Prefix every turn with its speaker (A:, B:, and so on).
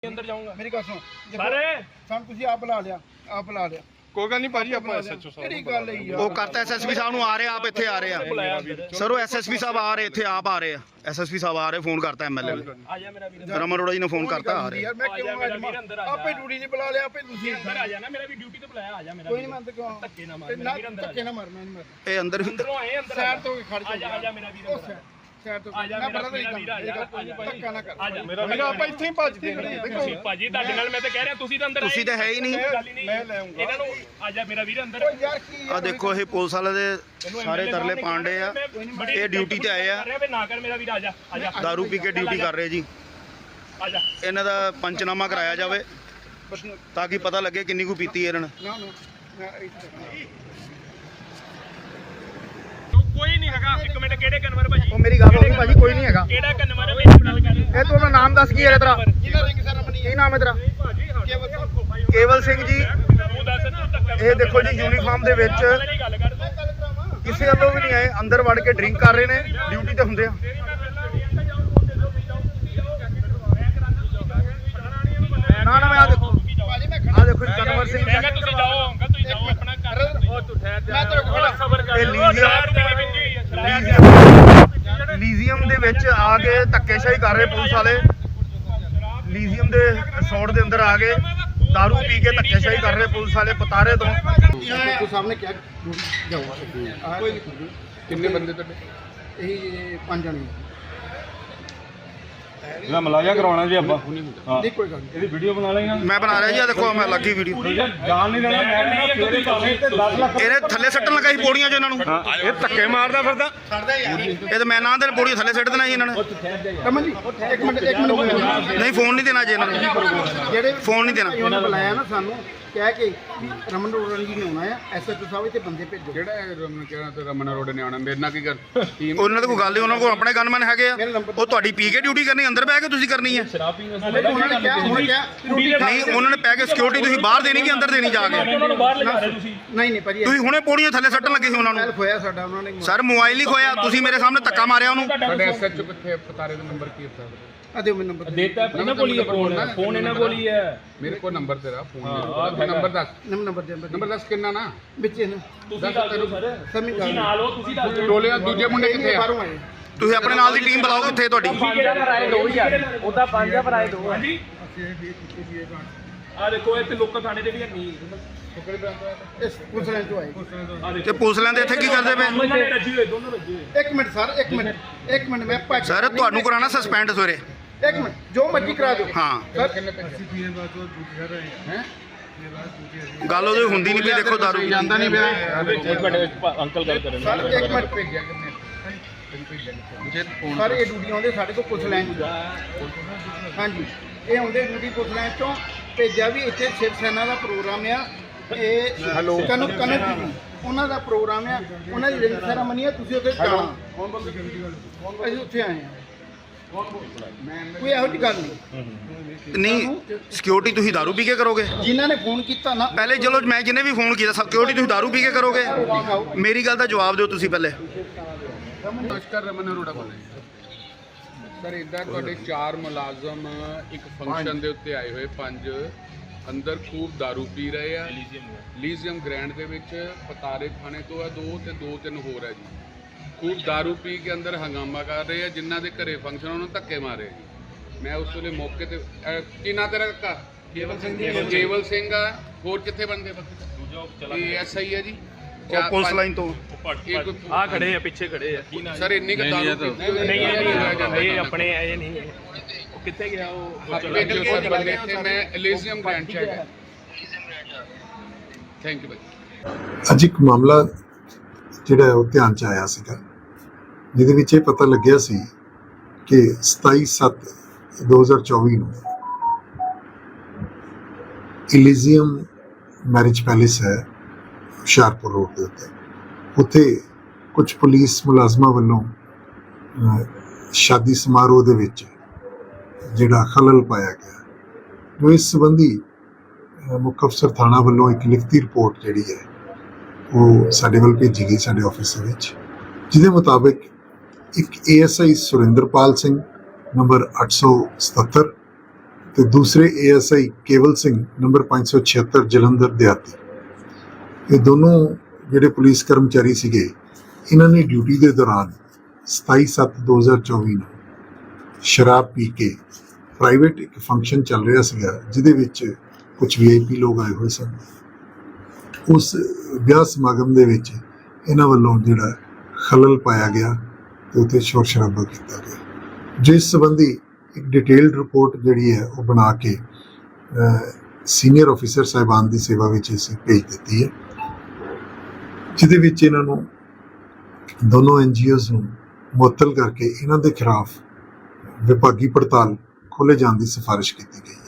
A: अंदर जाऊंगा
B: मेरी गल सुन
A: सारे
B: सन तुसी आप बुला लिया
C: ਕੋਈ ਗੱਲ ਨਹੀਂ ਭਾਜੀ ਆਪਾਂ ਐਸਐਚਓ
B: मेरी गल है यार
D: ਉਹ ਕਰਤਾ ਐਸਐਸਪੀ ਸਾਹਿਬ ਨੂੰ ਆ ਰਹੇ ਆਪ ਇੱਥੇ ਆ ਰਹੇ ਆ ਸਰ ਉਹ ਐਸਐਸਪੀ ਸਾਹਿਬ ਆ ਰਹੇ ਇੱਥੇ ਆਪ ਆ ਰਹੇ ਆ ਐਸਐਸਪੀ ਸਾਹਿਬ ਆ ਰਹੇ ਫੋਨ ਕਰਤਾ ਐਮਐਲਏ ਨੇ
A: आजा मेरा वीर
D: ਰਮਨ ਅਰੋੜਾ ਜੀ ਨੇ ਫੋਨ ਕਰਤਾ ਆ ਰਹੇ
B: यार मैं क्यों आपे ड्यूटी नहीं बुला लिया आपे तुसी
A: अंदर आ जाना मेरा भी ड्यूटी तो बुलाया आजा मेरा
B: कोई नहीं मैं क्यों
A: धक्के ना मार मेरा वीर अंदर
B: धक्के ना मार मैं नहीं मार
D: ਇਹ ਅੰਦਰ
A: अंदरों आए अंदर
B: साइड तो खड़ जा
A: आजा आजा मेरा वीर अंदर
B: साइड तो
A: आजा
B: ना
A: मेरा
B: बड़ा
A: वीर आजा
B: धक्का ना कर
A: आजा
C: ਮੇਰਾ ਆਪਾਂ ਇੱਥੇ ਹੀ ਭੱਜਦੇ ਨੇ ਦੇਖੋ
A: ਭਾਜੀ ਤੁਹਾਡੇ ਨਾਲ ਮੈਂ ਤਾਂ ਕਹਿ ਰਿਹਾ ਤੁਸੀਂ ਤਾਂ ਅੰਦਰ
D: ਤੁਸੀਂ ਤਾਂ ਹੈ ਹੀ ਨਹੀਂ
A: ਮੈਂ ਲੈ ਆਉਂਗਾ ਇਹਨਾਂ ਨੂੰ ਆਜਾ ਮੇਰਾ ਵੀਰ ਅੰਦਰ
B: यार की
D: ਆ ਦੇਖੋ ਇਹ ਪੁਲਿਸ ਵਾਲੇ ਦੇ ਸਾਰੇ ਤਰਲੇ ਪਾਂਡੇ ਆ ਇਹ ਡਿਊਟੀ ਤੇ ਆਏ ਆ
A: ਨਾ ਕਰ ਮੇਰਾ ਵੀਰ ਆਜਾ ਆਜਾ
D: ਦਾਰੂ ਪੀ ਕੇ ਡਿਊਟੀ ਕਰ ਰਹੇ ਜੀ
A: ਆਜਾ
D: ਇਹਨਾਂ ਦਾ ਪੰਚਨਾਮਾ ਕਰਾਇਆ ਜਾਵੇ ਤਾਂ ਕਿ ਪਤਾ ਲੱਗੇ ਕਿੰਨੀ ਕੁ ਪੀਤੀ ਇਹਨਾਂ ਨੇ
B: ना ना
A: ਕੋਈ ਨਹੀਂ ਹੈਗਾ ਇੱਕ ਮਿੰਟ ਕਿਹੜੇ ਕਨਵਰ ਭਾਜੀ
B: ਉਹ ਮੇਰੀ ਗੱਲ ਹੋ ਗਈ ਭਾਜੀ ਕੋਈ ਨਹੀਂ ਹੈਗਾ
A: ਕਿਹੜਾ ਕਨਵਰ ਹੈ ਮੇਰੀ ਗੱਲ ਕਰ
B: ਇਹ ਤੂੰ ਆਪਣਾ ਨਾਮ ਦੱਸ ਕੀ ਹੈ ਤੇਰਾ ਜਿੰਨਾ ਰਿੰਗ ਸੈਰਮਨੀ
D: ਕੀ ਨਾਮ ਹੈ ਤੇਰਾ
A: ਭਾਜੀ
D: ਕੇਵਲ ਸਿੰਘ ਜੀ
A: ਤੂੰ ਦੱਸ ਨਾ ਧੱਕਾ
D: ਇਹ ਦੇਖੋ ਜੀ ਯੂਨੀਫਾਰਮ ਦੇ ਵਿੱਚ
A: ਗੱਲ ਕਰ
D: ਕਿਸੇ ਵੱਲੋਂ ਵੀ ਨਹੀਂ ਆਏ ਅੰਦਰ ਵੜ ਕੇ ਡਰਿੰਕ ਕਰ ਰਹੇ ਨੇ ਡਿਊਟੀ ਤੇ ਹੁੰਦੇ ਆ ਨਾ ਨਾ ਮੈਂ ਆ ਦੇਖੋ
B: ਭਾਜੀ ਮੈਂ
D: ਆ ਦੇਖੋ ਜੀ ਕਨਵਰ ਸਿੰਘ
A: ਮੈਂ ਕਿਹਾ ਤੁਸੀਂ ਜਾਓ ਅੰਕਲ ਤੁਸੀਂ ਜਾਓ ਆਪਣਾ ਕਰ ਉਹ ਤੂੰ ਠਹਿਰ ਜਾ
B: ਮੈਂ ਤੇਰੇ ਕੋਲ
A: ਥੋੜਾ ਸਬਰ ਕਰ
D: ਇਹ ਲੀਜ਼ੀਅਮ ਦੇ ਵਿੱਚ ਆ ਕੇ ਧੱਕੇਸ਼ਾਹੀ ਕਰ ਰਹੇ ਪੁਲਿਸ ਵਾਲੇ ਲੀਜ਼ੀਅਮ ਦੇ ਰਿਸੋਰਟ ਦੇ ਅੰਦਰ ਆ ਕੇ ਦਾਰੂ ਪੀ ਕੇ ਧੱਕੇਸ਼ਾਹੀ ਕਰ ਰਹੇ ਪੁਲਿਸ ਵਾਲੇ ਪਤਾਰੇ ਤੋਂ
B: ਤੂੰ ਸਾਹਮਣੇ ਕਿਹਾ ਜਾਊਗਾ ਕੋਈ
C: ਕਿੰਨੇ ਬੰਦੇ ਤੁਹਾਡੇ
B: ਇਹ 5 ਜਣੇ
C: ਇਹਦਾ ਮਲਾਜਾ ਕਰਾਉਣਾ ਜੀ ਆਪਾਂ ਹਾਂ
B: ਨਹੀਂ ਕੋਈ ਗੱਲ ਨਹੀਂ
C: ਇਹਦੀ ਵੀਡੀਓ ਬਣਾ ਲੇਗਾ
D: ਮੈਂ ਬਣਾ ਰਿਹਾ ਜੀ ਆ ਦੇਖੋ ਮੈਂ ਲੱਗੀ ਵੀਡੀਓ
C: ਜਾਣ ਨਹੀਂ ਦੇਣਾ ਮੈਂ ਕਹਿੰਦਾ ਫੇਰੇ ਭਾਵੇਂ ਤੇ 10 ਲੱਖ
D: ਇਹਨੇ ਥੱਲੇ ਸੱਟਣ ਲਗਾਈ ਪੌੜੀਆਂ 'ਚ ਇਹਨਾਂ ਨੂੰ
C: ਹਾਂ ਇਹ ਧੱਕੇ ਮਾਰਦਾ ਫਿਰਦਾ
D: ਇਹ ਤਾਂ ਮੈਂ ਨਾ ਦੇ ਪੌੜੀਆਂ ਥੱਲੇ ਸੱਟ ਦੇਣਾ ਜੀ ਇਹਨਾਂ ਨੇ
B: ਕਮਲ ਜੀ ਇੱਕ ਮਿੰਟ
D: ਨਹੀਂ ਫੋਨ ਨਹੀਂ ਦੇਣਾ ਜੀ ਇਹਨਾਂ ਨੂੰ
B: ਜਿਹੜੇ
D: ਫੋਨ ਨਹੀਂ ਦੇਣਾ
B: ਉਹਨਾਂ ਬੁਲਾਇਆ ਨਾ ਸਾਨੂੰ ਕਹਿ ਕੇ ਵੀ ਰਮਨ ਰੋੜਨ ਜੀ ਨੇ ਆਉਣਾ ਆ ਐਸਐਚਓ ਸਾਹਿਬ ਇੱਥੇ ਬੰਦੇ ਭੇਜੋ
C: ਜਿਹੜਾ ਰਮਨ ਕਹਿਣਾ ਤੇ ਰਮਨ ਅਰੋੜ ਨੇ ਆਉਣਾ ਮੇਰੇ ਨਾਲ ਕੀ ਕਰ ਟੀਮ
D: ਉਹਨਾਂ ਦੇ ਕੋਈ ਗੱਲ ਨਹੀਂ ਉਹਨਾਂ ਕੋਲ ਆਪਣੇ ਗਨਮੈਨ ਹੈਗੇ ਆ ਉਹ ਤੁਹਾਡੀ ਪੀ ਕੇ ਡਿਊਟੀ ਕਰਨੀ ਅੰਦਰ ਬਹਿ ਕੇ ਤੁਸੀਂ ਕਰਨੀ ਹੈ
B: ਉਹਨਾਂ ਨੇ ਕਿਹਾ ਹੁਣ ਕਿਹਾ ਰੋਟੀ
D: ਨਹੀਂ ਉਹਨਾਂ ਨੇ ਪੈ ਕੇ ਸਿਕਿਉਰਿਟੀ ਤੁਸੀਂ ਬਾਹਰ ਦੇਣੀ ਕਿ ਅੰਦਰ ਦੇਣੀ ਜਾ ਕੇ
A: ਉਹਨਾਂ ਨੂੰ ਬਾਹਰ ਲਗਾ ਰਹੇ ਤੁਸੀਂ
B: ਨਹੀਂ ਭਾਜੀ
D: ਤੁਸੀਂ ਹੁਣੇ ਪੌੜੀਆਂ ਥੱਲੇ ਸੱਟਣ ਲੱਗੇ ਸੀ ਉਹਨਾਂ ਨੂੰ
B: ਹੈਲਪ ਹੋਇਆ ਸਾਡਾ ਉਹਨਾਂ ਨੇ
D: ਸਰ ਮੋਬਾਈਲ ਹੀ ਖੋਇਆ ਤੁਸੀਂ ਮੇਰੇ ਸਾਹਮਣੇ ਧੱਕਾ ਮਾਰਿਆ ਉਹਨੂੰ
C: ਸਾਡੇ ਐਸਐਚਓ ਕਿੱਥੇ ਪਤਾਰੇ ਦਾ ਨੰਬਰ ਕੀ ਹੈ
B: ਆ ਦਿਓ ਮੈਨੂੰ ਨੰਬਰ
A: ਦੇਤਾ ਇਹਨਾਂ ਕੋਲ ਹੀ ਹੈ ਫੋਨ ਇਹਨਾਂ ਕੋਲ ਹੀ ਹੈ
C: ਮੇਰੇ ਕੋਲ ਨੰਬਰ ਤੇਰਾ ਫੋਨ ਨੰਬਰ ਦੱਸ
B: ਨੰਬਰ
C: ਦੱਸ ਕਿੰਨਾ ਨਾ
B: ਵਿੱਚ ਇਹਨੂੰ
A: ਤੁਸੀਂ ਦੱਸ ਦਿਓ ਸਰ
B: ਸਮੀ
A: ਤੁਸੀਂ ਨਾਲ ਹੋ ਤੁਸੀਂ ਦੱਸ ਦਿਓ
C: ਟੋਲੇ ਦੂਜੇ ਮੁੰਡੇ ਕਿੱਥੇ ਆ
B: ਬਾਹਰੋਂ ਆਏ
D: ਤੁਸੀਂ ਆਪਣੇ ਨਾਲ ਦੀ ਟੀਮ ਬੁਲਾਓ ਕਿੱਥੇ ਤੁਹਾਡੀ
A: ਕਿਹੜਾ ਭਰਾਏ ਦੋ ਯਾਰ ਉਹਦਾ ਪੰਜ ਆ ਭਰਾਏ ਦੋ ਹਾਂਜੀ ਆ ਦੇਖੋ ਇੱਥੇ ਲੋਕਾਂ ਥਾਣੇ ਦੇ ਵੀ ਨਹੀਂ
B: ਇਸ ਪੁੱਛਣ ਤੋਂ ਆਏ
D: ਤੇ ਪੁਲਿਸ ਲੈਂਦੇ ਇੱਥੇ ਕੀ ਕਰਦੇ ਪਏ
A: ਦੋਨੋਂ ਰੱਜੀ ਹੋਏ ਦੋਨੋਂ ਰੱਜੀ ਹੋਏ
B: ਇੱਕ ਮਿੰਟ ਸਰ ਇੱਕ ਮਿੰਟ ਮੈਂ ਭੱਜ
D: ਸਰ ਤੁਹਾਨੂੰ ਕਰਾਣਾ ਸਸਪੈਂਡ ਸਵੇਰੇ
B: ਇੱਕ ਮਿੰਟ ਜੋ ਮਰਜ਼ੀ ਕਰਾ ਦਿਓ
D: ਹਾਂ
B: ਸਰ
C: ਕਿੰਨੇ ਪੈਸੇ ਹੈ
D: ਗੱਲ ਉਹਦੀ ਹੁੰਦੀ ਨਹੀਂ ਵੀ ਦੇਖੋ ਦਾਰੂ ਪੀਤੀ।
C: ਜਾਂਦਾ ਨਹੀਂ ਪਿਆ
A: ਇੱਕ ਮਿੰਟ ਅੰਕਲ ਗੱਲ ਕਰਨ
B: ਸਰ ਇੱਕ ਮਿੰਟ
C: ਭੇਜਿਆ ਕਿੰਨੇ ਮੁਝੇ ਫੋਨ
B: ਸਰ ਇਹ ਡਿਊਟੀ ਆਉਂਦੇ ਸਾਡੇ ਕੋਲ ਪੁੱਛ ਲੈਣ ਹਾਂਜੀ ਇਹ ਆਉਂਦੇ ਡਿਊਟੀ ਪੁੱਛ ਲੈਣ ਤੋਂ ਭੇਜਿਆ ਵੀ ਇੱਥੇ ਸ਼ਿਵ ਸੈਨਾ ਦਾ ਪ੍ਰੋਗਰਾਮ ਆ ਇਹ ਕਨਕ ਉਹਨਾਂ ਦਾ ਪ੍ਰੋਗਰਾਮ ਆ ਉਹਨਾਂ ਦੀ ਰਿੰਗ ਸੈਰਾਮਨੀ ਆ ਤੁਸੀਂ ਉੱਥੇ ਜਾਣਾ ਅਸੀਂ ਉੱਥੇ ਆਏ ਆ ਕੋਈ ਇਹੋ ਜਿਹੀ ਗੱਲ ਨਹੀਂ
D: ਨਹੀਂ ਸਿਕਿਉਰਿਟੀ ਤੁਸੀਂ ਦਾਰੂ ਪੀ ਕੇ ਕਰੋਗੇ
B: ਜਿਨ੍ਹਾਂ ਨੇ ਫੋਨ ਕੀਤਾ ਨਾ
D: ਪਹਿਲੇ ਚਲੋ ਮੈਂ ਜਿਹਨੇ ਵੀ ਫੋਨ ਕੀਤਾ ਸਿਕਿਉਰਿਟੀ ਤੁਸੀਂ ਦਾਰੂ ਪੀ ਕੇ ਕਰੋਗੇ ਮੇਰੀ ਗੱਲ ਦਾ ਜਵਾਬ ਦਿਓ ਤੁਸੀਂ ਪਹਿਲੇ
C: ਨਮਸਕਾਰ ਰਮਨ ਅਰੋੜਾ ਬੋਲ ਰਿਹਾ ਸਰ ਇਦਾਂ ਤੁਹਾਡੇ 4 ਮੁਲਾਜ਼ਮ ਇੱਕ ਫੰਕਸ਼ਨ ਦੇ ਉੱਤੇ ਆਏ ਹੋਏ 5 ਅੰਦਰ ਖੂਬ दारू ਪੀ ਰਹੇ ਆ ਲੀਜ਼ੀਅਮ ਗ੍ਰੈਂਡ ਦੇ ਵਿੱਚ ਪਤਾਰੇ ਥਾਣੇ ਤੋਂ ਆ 2 ਤੇ 2-3 ਹੋਰ ਆ ਜੀ ਖੂਬ दारू ਪੀ ਕੇ ਅੰਦਰ ਹੰਗਾਮਾ ਕਰ ਰਹੇ ਆ ਜਿਨ੍ਹਾਂ ਦੇ ਘਰੇ ਫੰਕਸ਼ਨ ਉਹਨਾਂ ਨੂੰ ਧੱਕੇ ਮਾਰੇ ਜੀ ਮੈਂ ਉਸ ਵੇਲੇ ਮੌਕੇ ਤੇ ਕੀ ਨਾਂ ਤੇਰਾ ਕਾਕਾ ਕੇਵਲ ਸਿੰਘ ਆ ਹੋਰ ਕਿੱਥੇ ਬੰਦੇ ਬਾਕੀ ਇਹ ਐਸਆਈ ਹੈ ਜੀ
D: ਉਹ ਪੁਲਿਸ ਲਾਈਨ ਤੋਂ
A: ਆ ਖੜੇ ਆ ਪਿੱਛੇ ਖੜੇ ਆ
C: ਸਰ ਇੰਨੀ ਕੁ दारू ਪੀਤੀ ਹੋਈ
A: ਨਹੀਂ ਇਹ ਆਪਣੇ ਇਹ ਨਹੀਂ ਉਹ ਕਿੱਥੇ ਗਿਆ ਉਹ
C: ਭੇਜੋ ਸਰ ਬੰਦੇ ਇੱਥੇ ਮੈਂ ਐਲੀਜ਼ੀਅਮ ਗ੍ਰੈਂਡ ਚ ਹੈਗਾ ਥੈਂਕ ਯੂ ਭਾਈ
E: ਅੱਜ ਇੱਕ ਮਾਮਲਾ ਜਿਹੜਾ ਉਹ ਧਿਆਨ ਚ ਆਇਆ ਸੀਗਾ ਜਿਹਦੇ ਵਿੱਚ ਇਹ ਪਤਾ ਲੱਗਿਆ ਸੀ ਕਿ 27/7/2024 ਨੂੰ ਇਲੀਜ਼ੀਅਮ ਮੈਰਿਜ ਪੈਲੇਸ ਹੈ ਹੁਸ਼ਿਆਰਪੁਰ ਰੋਡ ਦੇ ਉੱਤੇ ਕੁਝ ਪੁਲਿਸ ਮੁਲਾਜ਼ਮਾਂ ਵੱਲੋਂ ਸ਼ਾਦੀ ਸਮਾਰੋਹ ਦੇ ਵਿੱਚ ਜਿਹੜਾ ਖਲਲ ਪਾਇਆ ਗਿਆ ਜੋ ਇਸ ਸੰਬੰਧੀ ਮੁੱਖ ਅਫਸਰ ਥਾਣਾ ਵੱਲੋਂ ਇੱਕ ਲਿਖਤੀ ਰਿਪੋਰਟ ਜਿਹੜੀ ਹੈ ਉਹ ਸਾਡੇ ਵੱਲ ਭੇਜੀ ਗਈ ਸਾਡੇ ਆਫਿਸ ਦੇ ਵਿੱਚ ਜਿਹਦੇ ਮੁਤਾਬਿਕ ਇੱਕ ASI ਸੁਰਿੰਦਰਪਾਲ ਸਿੰਘ ਨੰਬਰ 877 ਤੇ ਦੂਸਰੇ ASI ਕੇਵਲ ਸਿੰਘ ਨੰਬਰ 576 ਜਲੰਧਰ ਦਿਹਾਤੀ। ਇਹ ਦੋਨੋਂ ਜਿਹੜੇ ਪੁਲਿਸ ਕਰਮਚਾਰੀ ਸੀਗੇ, ਇਹਨਾਂ ਨੇ ਡਿਊਟੀ ਦੇ ਦੌਰਾਨ 27/7/2024 ਨੂੰ ਸ਼ਰਾਬ ਪੀ ਕੇ ਪ੍ਰਾਈਵੇਟ ਇੱਕ ਫੰਕਸ਼ਨ ਚੱਲ ਰਿਹਾ ਸੀਗਾ, ਜਿਹਦੇ ਵਿੱਚ ਕੁਝ VIP ਲੋਕ ਆਏ ਹੋਏ ਸਨ। ਉਸ ਵਿਆਹ ਸਮਾਗਮ ਦੇ ਵਿੱਚ ਇਹਨਾਂ ਵੱਲੋਂ ਜਿਹੜਾ ਖਲਲ ਪਾਇਆ ਗਿਆ ਤੇ ਉੱਥੇ ਸ਼ੋਰ ਸ਼ਰਾਬਾ ਕੀਤਾ ਗਿਆ, ਜਿਸ ਸੰਬੰਧੀ ਇੱਕ ਡਿਟੇਲਡ ਰਿਪੋਰਟ ਜਿਹੜੀ ਹੈ ਉਹ ਬਣਾ ਕੇ ਸੀਨੀਅਰ ਅਫੀਸਰ ਸਾਹਿਬਾਨ ਦੀ ਸੇਵਾ ਵਿੱਚ ਅਸੀਂ ਭੇਜ ਦਿੱਤੀ ਹੈ, ਜਿਹਦੇ ਵਿੱਚ ਇਹਨਾਂ ਨੂੰ ਦੋਨੋਂ NGOs ਨੂੰ ਮੁਅੱਤਲ ਕਰਕੇ ਇਹਨਾਂ ਦੇ ਖਿਲਾਫ ਵਿਭਾਗੀ ਪੜਤਾਲ ਖੋਲ੍ਹੇ ਜਾਣ ਦੀ ਸਿਫਾਰਿਸ਼ ਕੀਤੀ ਗਈ।